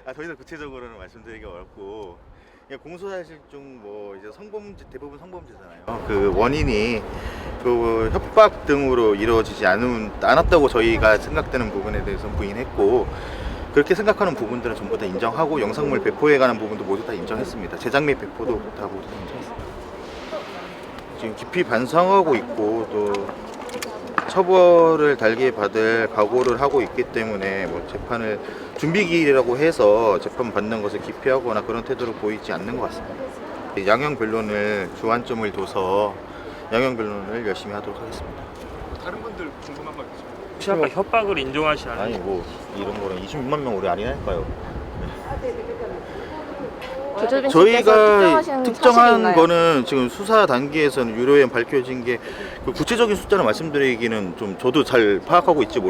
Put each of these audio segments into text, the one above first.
더 이상 구체적으로는 말씀드리기 어렵고 그냥 공소사실중 뭐 이제 성범죄 대부분 성범죄잖아요. 그 원인이 그 협박 등으로 이루어지지 않았다고 저희가 생각되는 부분에 대해서 부인했고 그렇게 생각하는 부분들은 전부 다 인정하고 영상물 배포에 관한 부분도 모두 다 인정했습니다. 제작 및 배포도 다 모두 다 인정했습니다. 지금 깊이 반성하고 있고 또 처벌을 달게 받을 각오를 하고 있기 때문에 뭐 재판을 준비기일이라고 해서 재판 받는 것을 기피하거나 그런 태도를 보이지 않는 것 같습니다. 양형 변론을 주안점을 둬서 양형 변론을 열심히 하도록 하겠습니다. 다른 분들 궁금한 거 있으세요? 혹시 아까 협박을 인정하지 않아요? 아니 뭐 이런 거는 26만 명 우리 아니랄까요? 조조빈 씨께서 저희가 특정하신 특정한 사실이 있나요? 거는 지금 수사 단계에서는 유료에 밝혀진 게 그 구체적인 숫자를 말씀드리기는 좀 저도 잘 파악하고 있지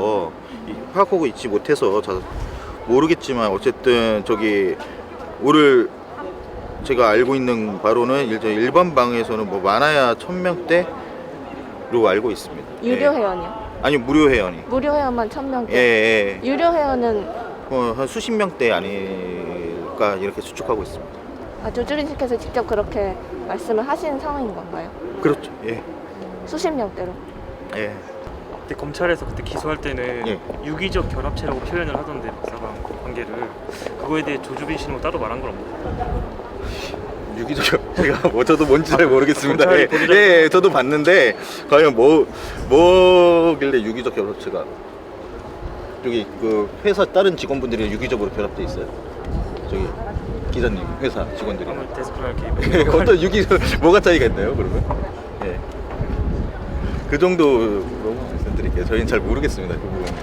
못해서 잘 모르겠지만 어쨌든 저기 오늘 제가 알고 있는 바로는 일반 방에서는 뭐 많아야 1000명대로 알고 있습니다. 유료 예. 회원이요? 아니 무료 회원이. 무료 회원만 1000명대. 예. 유료 회원은 한 수십 명대 아닐까 이렇게 추측하고 있습니다. 조주빈 씨께서 직접 그렇게 말씀을 하신 상황인 건가요? 그렇죠. 예. 수십 명대로. 예. 그때 검찰에서 그때 기소할 때는 예. 유기적 결합체라고 표현을 하던데 박사방 관계를 그거에 대해 조주빈 씨는 뭐 따로 말한 건 없나요? 유기적 제가 뭐 저도 뭔지 잘 모르겠습니다. 검찰이 예, 보도자료- 예, 저도 봤는데 과연 뭐길래 유기적 결합체가 저기 그 회사 다른 직원분들이 유기적으로 결합돼 있어요? 저기 기자님 회사 직원들이. 아무 데스크랄 개입. 어떤 유기적 뭐가 차이가 있나요? 그러면? 예. 그 정도로 말씀드릴게요. 저희는 잘 모르겠습니다. 그 부분은.